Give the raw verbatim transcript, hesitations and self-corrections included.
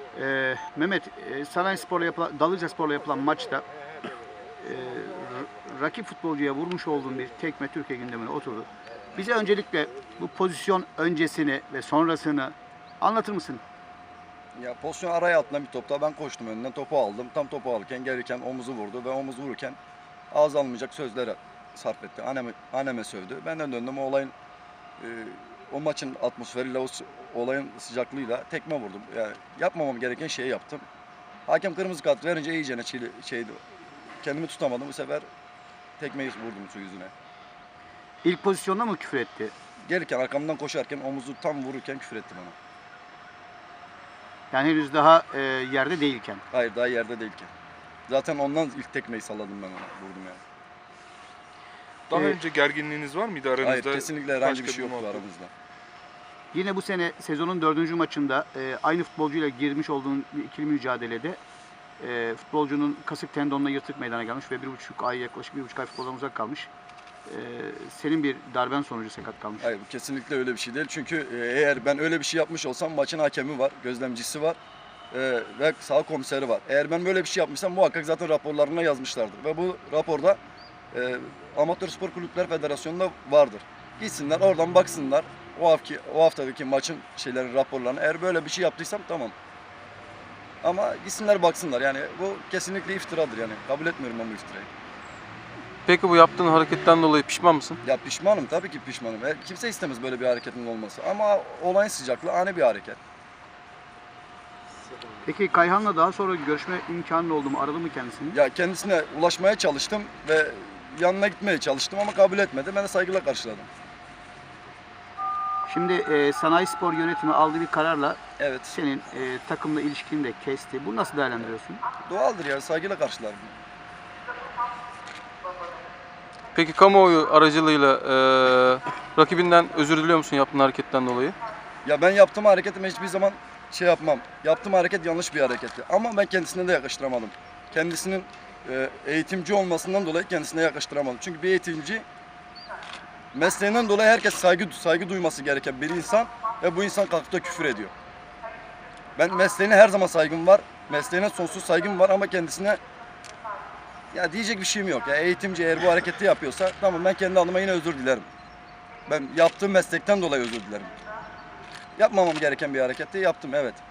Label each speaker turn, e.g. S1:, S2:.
S1: Ee, Mehmet, e, Sanayispor'la yapılan, Dalıcaspor'la yapılan maçta e, rakip futbolcuya vurmuş olduğun bir tekme Türkiye gündemine oturdu. Bize öncelikle bu pozisyon öncesini ve sonrasını anlatır mısın?
S2: Ya pozisyon araya atılan bir topta ben koştum önünden topu aldım. Tam topu alırken gelirken omuzu vurdu ve omuz vururken ağız almayacak sözler sarf etti. Anneme, anneme sövdü. Ben de döndüm o olayın e, o maçın atmosferiyle o s- olayın sıcaklığıyla tekme vurdum. Yani yapmamam gereken şeyi yaptım. Hakem kırmızı kart verince iyicene çili, şeydi. Kendimi tutamadım bu sefer tekmeyi vurdum su yüzüne.
S1: İlk pozisyonda mı küfür etti?
S2: Gelirken arkamdan koşarken omuzu tam vururken küfür etti bana.
S1: Yani henüz daha e, yerde değilken.
S2: Hayır daha yerde değilken. Zaten ondan ilk tekmeyi salladım ben ona. Vurdum yani.
S3: Daha
S1: Ee,
S3: önce gerginliğiniz var mıydı aranızda?
S2: Hayır kesinlikle herhangi
S3: Başka
S2: bir şey yoktu
S3: muhabbet?
S2: aramızda.
S1: Yine bu sene sezonun dördüncü maçında e, aynı futbolcuyla girmiş olduğun bir ikili mücadelede e, futbolcunun kasık tendonuna yırtık meydana gelmiş ve bir buçuk ay yaklaşık bir buçuk ay futboldan uzak kalmış. E, senin bir darben sonucu sakat kalmış.
S2: Hayır bu kesinlikle öyle bir şey değil. Çünkü e, eğer ben öyle bir şey yapmış olsam maçın hakemi var, gözlemcisi var e, ve sağ komiseri var. Eğer ben böyle bir şey yapmışsam muhakkak zaten raporlarına yazmışlardır. Ve bu raporda e, Amatör Spor Kulüpler Federasyonu'nda vardır. Gitsinler oradan baksınlar o haftaki, o haftadaki maçın şeyleri raporlarına. Eğer böyle bir şey yaptıysam tamam. Ama gitsinler baksınlar yani bu kesinlikle iftiradır yani. Kabul etmiyorum ben bu iftirayı.
S4: Peki bu yaptığın hareketten dolayı pişman mısın?
S2: Ya pişmanım tabii ki pişmanım. E, Kimse istemez böyle bir hareketin olması. Ama olayın sıcaklığı ani bir hareket.
S1: Peki Kayhan'la daha sonra görüşme imkanı oldu mu? Aradı mı kendisini?
S2: Ya kendisine ulaşmaya çalıştım ve yanına gitmeye çalıştım ama kabul etmedi. Ben de saygıyla karşıladım.
S1: Şimdi e, Sanayispor yönetimi aldığı bir kararla
S2: Evet.
S1: senin e, takımla ilişkini de kesti. Bunu nasıl değerlendiriyorsun?
S2: Doğaldır ya saygıyla karşılarım.
S4: Peki kamuoyu aracılığıyla e, rakibinden özür diliyor musun yaptığın hareketten dolayı?
S2: Ya ben yaptığım hareketime hiçbir zaman şey yapmam. Yaptığım hareket yanlış bir hareketti. Ama ben kendisine de yakıştıramadım. Kendisinin e, eğitimci olmasından dolayı kendisine yakıştıramadım. Çünkü bir eğitimci mesleğinden dolayı herkes saygı saygı duyması gereken bir insan ve bu insan kalkıp da küfür ediyor. Ben mesleğine her zaman saygım var. Mesleğine sonsuz saygım var ama kendisine ya diyecek bir şeyim yok. Ya eğitimci eğer bu hareketi yapıyorsa tamam ben kendi adıma yine özür dilerim. Ben yaptığım meslekten dolayı özür dilerim. Yapmamam gereken bir hareketi yaptım evet.